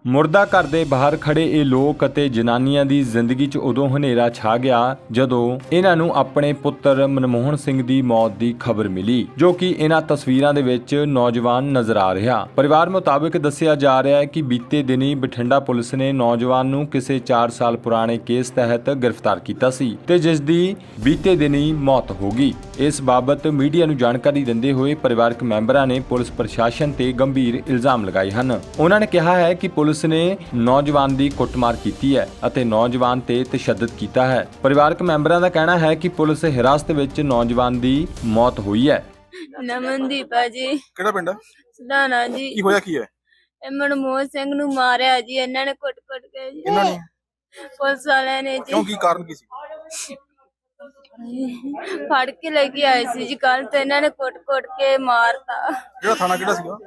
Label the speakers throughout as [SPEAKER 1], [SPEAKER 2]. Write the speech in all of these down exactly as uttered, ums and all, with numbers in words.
[SPEAKER 1] ਮੁਰਦਾ ਘਰ ਦੇ ਬਾਹਰ ਖੜੇ ਇਹ ਲੋਕ ਅਤੇ ਜਨਾਨੀਆਂ ਦੀ ਜ਼ਿੰਦਗੀ 'ਚ ਉਦੋਂ ਹਨੇਰਾ ਛਾ ਗਿਆ ਜਦੋਂ ਇਹਨਾਂ ਨੂੰ ਆਪਣੇ ਪੁੱਤਰ ਮਨਮੋਹਨ ਸਿੰਘ ਦੀ ਮੌਤ ਦੀ ਖਬਰ ਮਿਲੀ, ਜੋ ਕਿ ਇਹਨਾਂ ਤਸਵੀਰਾਂ ਦੇ ਵਿੱਚ ਨੌਜਵਾਨ ਨਜ਼ਰ ਆ ਰਿਹਾ। ਪਰਿਵਾਰ ਮੁਤਾਬਕ ਦੱਸਿਆ ਜਾ ਰਿਹਾ ਹੈ ਕਿ ਬੀਤੇ ਦਿਨੀ ਬਠਿੰਡਾ ਪੁਲਿਸ ਨੇ ਨੌਜਵਾਨ ਨੂੰ ਕਿਸੇ ਚਾਰ ਸਾਲ ਪੁਰਾਣੇ ਕੇਸ ਤਹਿਤ ਗ੍ਰਿਫਤਾਰ ਕੀਤਾ ਸੀ ਤੇ ਜਿਸ ਦੀ ਬੀਤੇ ਦਿਨੀ ਮੌਤ ਹੋ ਗਈ। ਇਸ ਬਾਬਤ ਮੀਡੀਆ ਨੂੰ ਜਾਣਕਾਰੀ ਦਿੰਦੇ ਹੋਏ ਪਰਿਵਾਰਕ ਮੈਂਬਰਾਂ ਨੇ ਪੁਲਿਸ ਪ੍ਰਸ਼ਾਸਨ ਤੇ ਗੰਭੀਰ ਇਲਜ਼ਾਮ ਲਗਾਏ ਹਨ। ਉਹਨਾਂ ਨੇ ਕਿਹਾ ਹੈ ਕਿ ਪੁਲਿਸ ਨੇ ਨੌਜਵਾਨ ਦੀ ਕੁੱਟਮਾਰ ਕੀਤੀ ਹੈ ਅਤੇ ਨੌਜਵਾਨ ਤੇ ਤਸ਼ੱਦਦ ਕੀਤਾ ਹੈ। ਪਰਿਵਾਰਕ ਮੈਂਬਰਾਂ ਦਾ ਕਹਿਣਾ ਹੈ ਕਿ ਪੁਲਿਸ ਹਿਰਾਸਤ ਵਿੱਚ ਨੌਜਵਾਨ ਦੀ ਮੌਤ ਹੋਈ ਹੈ।
[SPEAKER 2] ਨਮਨਦੀਪ ਆ ਜੀ।
[SPEAKER 3] ਕਿਹੜਾ ਪਿੰਡ ਹੈ?
[SPEAKER 2] ਸਦਾਨਾ ਜੀ।
[SPEAKER 3] ਕੀ ਹੋਇਆ ਕੀ ਹੈ?
[SPEAKER 2] ਇਹ ਮਨਮੋਹਨ ਸਿੰਘ ਨੂੰ ਮਾਰਿਆ ਜੀ ਇਹਨਾਂ ਨੇ ਕੁੱਟ-ਕੁੱਟ ਕੇ ਜੀ।
[SPEAKER 3] ਇਹਨਾਂ ਨੇ?
[SPEAKER 2] ਪੁਲਿਸ ਵਾਲਿਆਂ ਨੇ ਜੀ।
[SPEAKER 3] ਕਿਉਂ, ਕੀ ਕਾਰਨ ਕੀ ਸੀ?
[SPEAKER 2] ਫੜ ਕੇ ਲੈ ਕੇ ਆਏ ਸੀ ਜੀ ਕੱਲ, ਤੇ ਇਹਨਾਂ ਨੇ ਕੁੱਟ-ਕੁੱਟ ਕੇ ਮਾਰਤਾ।
[SPEAKER 3] ਜਿਹੜਾ ਥਾਣਾ ਕਿਹੜਾ ਸੀਗਾ?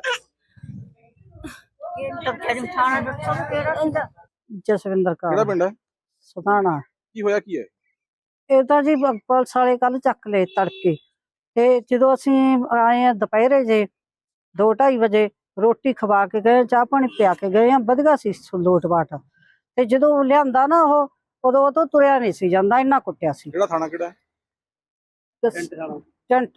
[SPEAKER 4] ਜਸਵਿੰਦਰ ਕੌਰ।
[SPEAKER 3] ਕਿਹੜਾ ਪਿੰਡ ਹੈ?
[SPEAKER 4] ਸਦਾਣਾ।
[SPEAKER 3] ਕੀ ਹੋਇਆ ਕੀ ਹੈ?
[SPEAKER 4] ਇਹ ਤਾਂ ਜੀ ਪੁਲਿਸ ਵਾਲੇ ਕੱਲ ਚੱਕ ਲਏ ਤੜਕੇ, ਤੇ ਜਦੋਂ ਅਸੀਂ ਆਏ ਆ ਦੁਪਹਿਰੇ ਜੇ ਦੋ ਢਾਈ ਵਜੇ ਰੋਟੀ ਖਵਾ ਕੇ ਗਏ, ਚਾਹ ਪਾਣੀ ਪਿਆ ਕੇ ਗਏ ਆ, ਵਧੀਆ ਸੀ ਲੋਟ ਬਾਟ। ਤੇ ਜਦੋਂ ਲਿਆਂਦਾ ਨਾ ਉਹ ਉਦੋਂ ਉਹ ਤੋਂ ਤੁਰਿਆ ਨਹੀਂ ਸੀ ਜਾਂਦਾ, ਇੰਨਾ ਕੁੱਟਿਆ ਸੀ।
[SPEAKER 3] ਕਿਹੜਾ ਥਾਣਾ ਕਿਹੜਾ?
[SPEAKER 4] ਟੈਂਟ।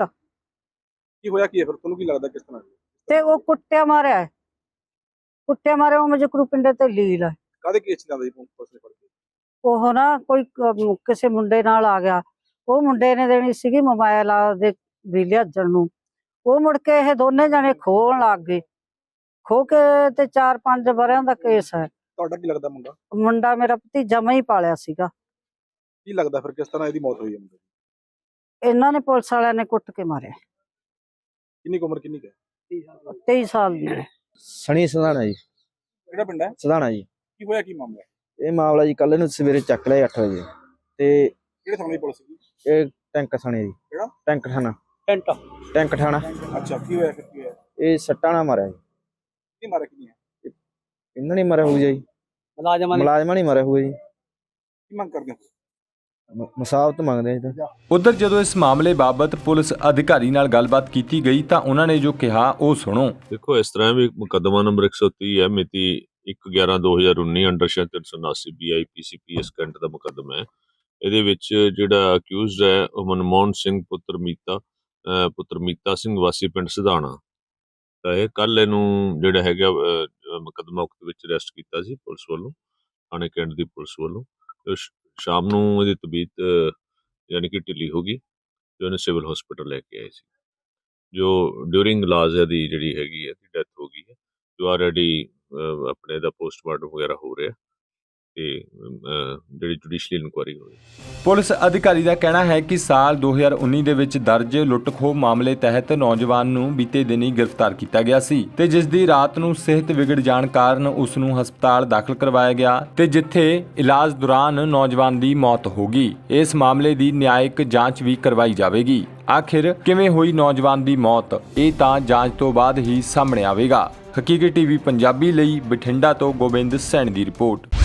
[SPEAKER 3] ਕੀ ਹੋਇਆ ਕੀ ਹੈ ਫਿਰ, ਤੁਹਾਨੂੰ ਕੀ ਲੱਗਦਾ ਕਿਸ ਤਰ੍ਹਾਂ?
[SPEAKER 4] ਤੇ ਉਹ ਕੁੱਟਿਆ ਮਾਰਿਆ ਹੈ। ਕੁੱਟਿਆ ਮਾਰਿਆ ਉਹ ਮਜਕਰੂ ਪਿੰਡੇ ਤੇ ਲੀਲ ਹੈ।
[SPEAKER 3] ਕਾਹਦੇ ਕੇਸ ਚ ਜਾਂਦਾ ਜੀ ਪੁਲਿਸ ਨੇ ਫੜ ਕੇ?
[SPEAKER 4] ਉਹ ਨਾ ਕੋਈ ਕ- ਕਿਸੇ ਮੁੰਡੇ ਨਾਲ ਆ ਗਿਆ, ਉਹ ਮੁੰਡੇ ਨੇ ਦੇਣੀ ਸੀਗੀ ਮੋਬਾਈਲ ਦੇ ਵੀ ਲਿਆਜਣ ਨੂੰ। ਉਹ ਮੁੜ ਕੇ ਇਹ ਦੋਨੇ ਜਣੇ ਖੋਹਣ ਲੱਗ ਗਏ। ਖੋ ਕੇ ਤੇ ਚਾਰ ਪੰਜ ਵਰਿਆਂ ਦਾ ਕੇਸ ਹੈ।
[SPEAKER 3] ਤੁਹਾਡਾ ਕੀ ਲੱਗਦਾ ਮੁੰਡਾ?
[SPEAKER 4] ਮੁੰਡਾ ਮੇਰਾ ਭਤੀਜਾ ਮੈਂ ਹੀ ਪਾਲਿਆ ਸੀਗਾ।
[SPEAKER 3] ਕੀ ਲੱਗਦਾ ਫਿਰ ਕਿਸ ਤਰ੍ਹਾਂ ਇਹਦੀ ਮੌਤ ਹੋਈ ਹੈ ਮੁੰਡੇ ਦੀ?
[SPEAKER 4] ਇਹਨਾਂ ਨੇ ਪੁਲਿਸ ਵਾਲਿਆਂ ਨੇ ਕੁੱਟ ਕੇ ਮਾਰਿਆ।
[SPEAKER 3] ਕਿੰਨੀ ਕੁ ਉਮਰ ਕਿੰਨੀ ਕੁ ਹੈ?
[SPEAKER 4] ਤੇਈ ਸਾਲ ਦੀ ਹੈ।
[SPEAKER 5] ਸਣੀ ਸਧਾਣਾ ਜੀ।
[SPEAKER 3] ਕਿਹੜਾ ਪਿੰਡ ਹੈ?
[SPEAKER 5] ਸਧਾਣਾ ਜੀ।
[SPEAKER 3] ਕੀ ਹੋਇਆ ਕੀ ਮਾਮਲਾ?
[SPEAKER 5] ਇਹ ਮਾਮਲਾ ਜੀ ਕੱਲ ਨੂੰ ਸਵੇਰੇ ਚੱਕ ਲਿਆ ਅੱਠ ਵਜੇ ਤੇ
[SPEAKER 3] ਕਿਹੜੇ ਥਾਣੇ ਦੀ ਪੁਲਿਸ ਸੀ?
[SPEAKER 5] ਇਹ ਟੈਂਕ ਥਾਣੇ ਜੀ।
[SPEAKER 3] ਕਿਹੜਾ?
[SPEAKER 5] ਟੈਂਕ ਥਾਣਾ।
[SPEAKER 4] ਟੈਂਟ।
[SPEAKER 5] ਟੈਂਕ ਥਾਣਾ।
[SPEAKER 3] ਅੱਛਾ, ਕੀ ਹੋਇਆ ਫਿਰ ਕੀ ਹੋਇਆ?
[SPEAKER 5] ਇਹ ਸੱਟਾਂ ਨਾਲ ਮਾਰਿਆ ਜੀ।
[SPEAKER 3] ਕੀ ਮਾਰਿਆ ਕਿੰਨੀ ਹੈ?
[SPEAKER 5] ਇਹਨਾਂ ਨੇ ਮਾਰਿਆ ਹੋਊ ਜੀ।
[SPEAKER 4] ਮੁਲਾਜ਼ਮਾਂ
[SPEAKER 5] ਮੁਲਾਜ਼ਮਾਂ ਨੇ ਮਾਰਿਆ ਹੋਊ ਜੀ।
[SPEAKER 3] ਕੀ ਮੰਗ ਕਰਦੇ ਹੋ?
[SPEAKER 5] ਮੁਸਾਫਤ ਮੰਗਦੇ ਆ ਜੀ।
[SPEAKER 1] ਉਧਰ ਜਦੋਂ ਇਸ ਮਾਮਲੇ ਬਾਬਤ ਪੁਲਿਸ ਅਧਿਕਾਰੀ ਨਾਲ ਗੱਲਬਾਤ ਕੀਤੀ ਗਈ ਤਾਂ ਉਹਨਾਂ ਨੇ ਜੋ ਕਿਹਾ ਉਹ ਸੁਣੋ।
[SPEAKER 6] ਦੇਖੋ, ਇਸ ਤਰ੍ਹਾਂ ਵੀ ਮੁਕੱਦਮਾ ਨੰਬਰ ਇੱਕ ਸੌ ਤੀਹ ਹੈ, ਮਿਤੀ ਇੱਕ ਗਿਆਰਾਂ ਦੋ ਹਜ਼ਾਰ ਉੱਨੀ ਅੰਡਰ ਸੈਕਸ਼ਨ ਤਿੰਨ ਸੌ ਉਨਾਸੀ B I P C P S Cantt ਦਾ ਮੁਕੱਦਮਾ ਹੈ। ਇਹਦੇ ਵਿੱਚ ਜਿਹੜਾ ਅਕਿਊਜ਼ਡ ਹੈ ਉਹ ਮਨਮੋਹਨ ਸਿੰਘ ਪੁੱਤਰ ਮੀਤਾ ਅਹ ਪੁੱਤਰ ਮੀਤਾ ਸਿੰਘ ਵਾਸੀ ਪਿੰਡ ਸਧਾਣਾ। ਤਾਂ ਇਹ ਕੱਲ ਇਹਨੂੰ ਜਿਹੜਾ ਹੈਗਾ ਅਹ, ਮੁਕੱਦਮਾ ਉਕਤ ਵਿੱਚ ਅਰੈਸਟ ਕੀਤਾ ਸੀ ਪੁਲਿਸ ਵੱਲੋਂ, ਥਾਣੇ ਕੈਂਟ ਦੀ ਪੁਲਿਸ ਵੱਲੋਂ। ਤੇ ਸ਼- ਸ਼ਾਮ ਨੂੰ ਇਹਦੀ ਤਬੀਅਤ ਅਹ, ਯਾਨੀ ਕਿ ਢਿੱਲੀ ਹੋ ਗਈ ਤੇ ਉਹਨੇ ਸਿਵਲ ਹਸਪੀਟਲ ਲੈ ਕੇ ਆਏ ਸੀ, ਜੋ ਡਿਊਰਿੰਗ ਇਲਾਜ ਇਹਦੀ ਜਿਹੜੀ ਹੈਗੀ ਹੈ ਡੈਥ ਹੋ ਗਈ ਹੈ। ਜੋ ਆਲਰੇਡੀ ਆਪਣੇ ਦਾ ਪੋਸਟਮਾਰਟਮ ਵਗੈਰਾ ਹੋ ਰਿਹਾ ਤੇ ਅਹ, ਜਿਹੜੀ ਜੁਡੀਸ਼ੀਅਲ ਇਨਕੁਆਇਰੀ ਹੋ ਰਹੀ।
[SPEAKER 1] ਪੁਲਿਸ ਅਧਿਕਾਰੀ ਦਾ ਕਹਿਣਾ ਹੈ ਕਿ ਸਾਲ ਦੋ ਹਜ਼ਾਰ ਉੱਨੀ ਦੇ ਵਿੱਚ ਦਰਜ ਲੁੱਟ-ਖੋਹ ਮਾਮਲੇ ਤਹਿਤ ਨੌਜਵਾਨ ਨੂੰ ਬੀਤੇ ਦਿਨੀ ਗ੍ਰਿਫਤਾਰ ਕੀਤਾ ਗਿਆ ਸੀ ਤੇ ਜਿਸ ਦੀ ਰਾਤ ਨੂੰ ਸਿਹਤ ਵਿਗੜ ਜਾਣ ਕਾਰਨ ਉਸ ਨੂੰ ਹਸਪਤਾਲ ਦਾਖਲ ਕਰਵਾਇਆ ਗਿਆ ਤੇ ਜਿੱਥੇ ਇਲਾਜ ਦੌਰਾਨ ਨੌਜਵਾਨ ਦੀ ਮੌਤ ਹੋ ਗਈ। ਇਸ ਮਾਮਲੇ ਦੀ ਨਿਆਇਕ ਜਾਂਚ ਵੀ ਕਰਵਾਈ ਜਾਵੇਗੀ। ਆਖਿਰ ਕਿਵੇਂ ਹੋਈ ਨੌਜਵਾਨ ਦੀ ਮੌਤ, ਇਹ ਤਾਂ ਜਾਂਚ ਤੋਂ ਬਾਅਦ ਹੀ ਸਾਹਮਣੇ ਆਵੇਗਾ। ਹਕੀਕਤ ਟੀਵੀ ਪੰਜਾਬੀ ਲਈ ਬਠਿੰਡਾ ਤੋਂ ਗੋਬਿੰਦ ਸੈਣੀ ਦੀ ਰਿਪੋਰਟ।